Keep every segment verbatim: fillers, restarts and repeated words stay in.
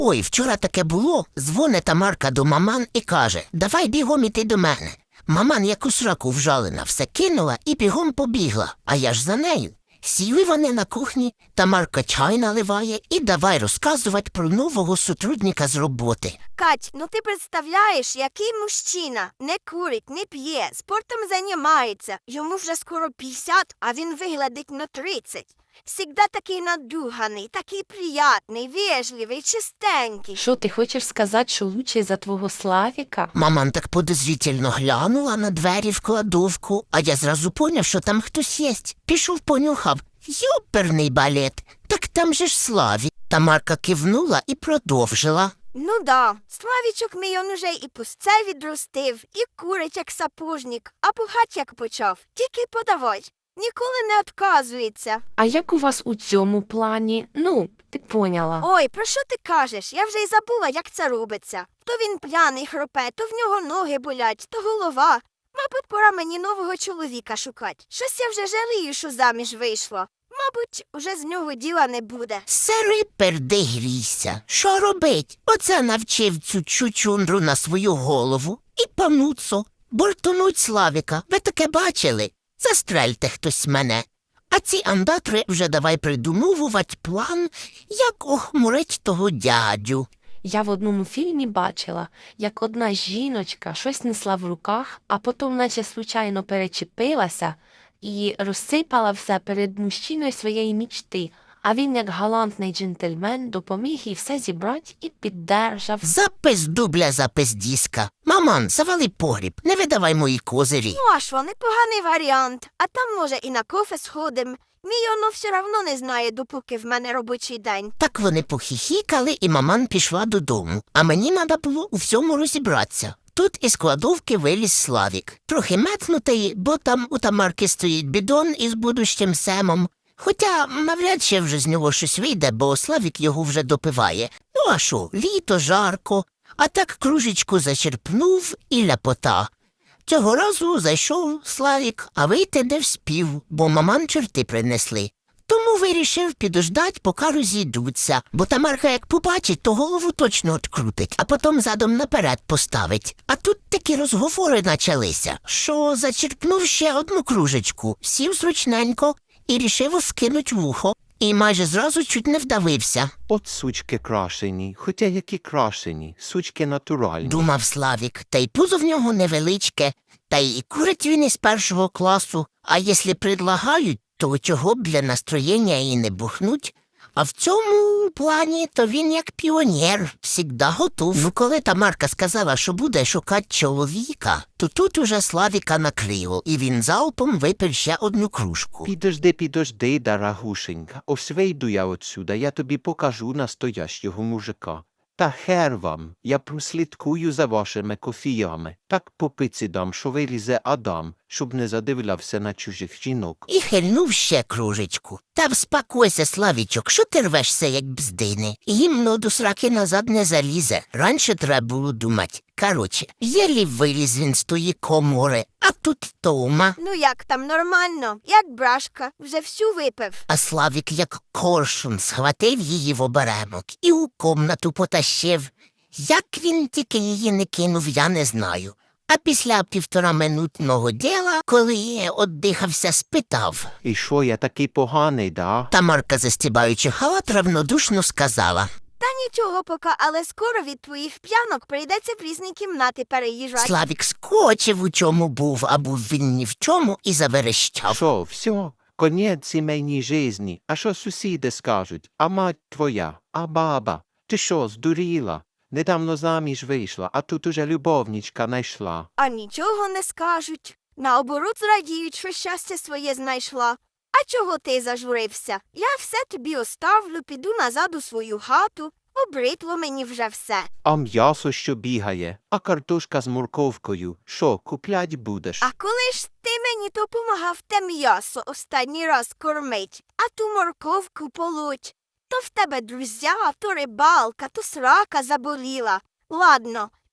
Ой, вчора таке було. Дзвонить Тамарка до маман і каже: давай бігом іти до мене. Маман як у сраку вжалена, все кинула і бігом побігла, а я ж за нею. Сіли вони на кухні, Тамарка чай наливає і давай розказувати про нового сотрудника з роботи. Кать, ну ти представляєш, який мужчина не курить, не п'є, спортом займається. Йому вже скоро п'ятдесят, а він виглядить на тридцять. Всегда такий надуганий, такий приятний, вежливий, чистенький. Що, ти хочеш сказати, що лучший за твого Славіка? Маман так подозрительно глянула на двері в кладовку, а я зразу поняв, що там хтось єсть. Пішов понюхав. Йоперний балет, так там же ж Славік. Тамарка кивнула і продовжила. Ну да, Славічок мій он уже і пусце відростив, і курить як сапожник, а пухать як почав. Тільки подавай. Ніколи не відказується. А як у вас у цьому плані? Ну, ти поняла. Ой, про що ти кажеш? Я вже й забула, як це робиться. То він п'яний хропе, то в нього ноги болять, то голова. Мабуть, пора мені нового чоловіка шукати. Щось я вже жалію, що заміж вийшла. Мабуть, уже з нього діла не буде. Сири перди грійся. Що робить? Оце навчив цю чучундру на свою голову. І пануцо, бортонуть Славіка. Ви таке бачили? Застрельте хтось мене. А ці андатри вже давай придумовувати план, як охмурить того дядю. Я в одному фільмі бачила, як одна жіночка щось несла в руках, а потім наче случайно перечепилася і розсипала все перед мужчиною своєї мічти. А він, як галантний джентльмен, допоміг їй все зібрати і піддержав. Запис дубля, запис диска. Маман, завали погріб, не видавай мої козирі. Ну, а що, непоганий варіант. А там, може, і на кофе сходим. Мій оно все равно не знає, допоки в мене робочий день. Так вони похихікали, і маман пішла додому. А мені треба було у всьому розібратися. Тут із кладовки виліз Славік. Трохи метнутий, бо там у Тамарки стоїть бідон із будущим семом. Хоча навряд чи вже з нього щось вийде, бо Славік його вже допиває. Ну а що, літо, жарко, а так кружечку зачерпнув і ляпота. Цього разу зайшов Славік, а вийти не вспів, бо маман чорти принесли. Тому вирішив підождать, поки розійдуться, бо Тамарка як побачить, то голову точно открутить, а потім задом наперед поставить. А тут такі розговори началися, що зачерпнув ще одну кружечку, сів зручненько і рішив скинуть вухо. І майже зразу чуть не вдавився. От сучки крашені, хоча які крашені, сучки натуральні. Думав Славік, та й пузо в нього невеличке, та й курить він із першого класу, а якщо предлагають, то чого б для настроєння і не бухнуть. А в цьому плані то він як піонер, всігда готов. Ну коли Тамарка сказала, що буде шукати чоловіка, то тут уже Славіка накрило, і він залпом випив ще одну кружку. Підожди, підожди, дорогушенька, ось вийду я отсюда, я тобі покажу настоящого мужика. Та хер вам, я прослідкую за вашими кофіями. Так по пиці дам, що вилізе Адам, щоб не задивлявся на чужих жінок. І хильнув ще кружечку. Та вспокойся, Славічок, що ти рвешся, як бздини? Гімно до сраки назад не залізе. Раніше треба було думати. Короче, єлі виліз він з тої комори, а тут Тома. Ну як там, нормально? Як брашка, вже всю випив. А Славік як коршун схватив її в оберемок і у комнату потащив. Як він тільки її не кинув, я не знаю. А після півтораминутного діла, коли я оддихався, спитав. І що, я такий поганий, да? Тамарка, застібаючи халат, равнодушно сказала. Та нічого поки, але скоро від твоїх п'янок прийдеться в різні кімнати переїжджати. Славік скочив, у чому був, а був він ні в чому, і заверещав. Що, все, конець сімейній жизні. А що сусіди скажуть? А мать твоя? А баба? Ти що, здуріла? Недавно заміж вийшла, а тут уже любовничка найшла. А нічого не скажуть. Наоборот зрадіють, що щастя своє знайшла. А чого ти зажурився? Я все тобі оставлю, піду назад у свою хату. Обритло мені вже все. А м'ясо, що бігає, а картошка з морковкою. Що, куплять будеш? А коли ж ти мені допомагав те м'ясо останній раз кормить, а ту морковку полоть, то в тебе друзя, то рибалка, то срака заболіла. Ладно,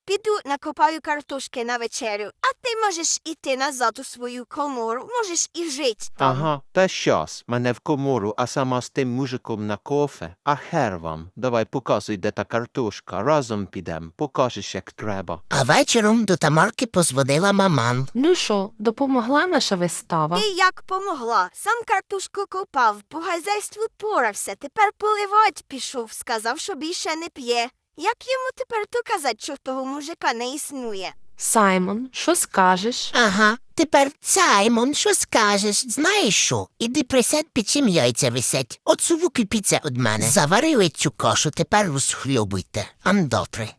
піду накопаю картошки на вечерю, а ти можеш іти назад у свою комору, можеш і жити там. Ага, та щас, мене в комору, а сама з тим мужиком на кофе. А хер вам, давай показуй, де та картошка, разом підем, покажеш, як треба. А вечором до Тамарки позвонила маман. Ну що, допомогла наша вистава? Ти як помогла? Сам картошку копав, по хазяйству порався, тепер поливать пішов, сказав, що більше не п'є. Як йому тепер то казати, що того мужика не існує? Саймон, що скажеш? Ага, тепер, Саймон, що скажеш? Знаєш що? Іди присядь, під чим яйця висять. От суву кипіться од мене. Заварили цю кашу, тепер розхльобуйте. Ан добре.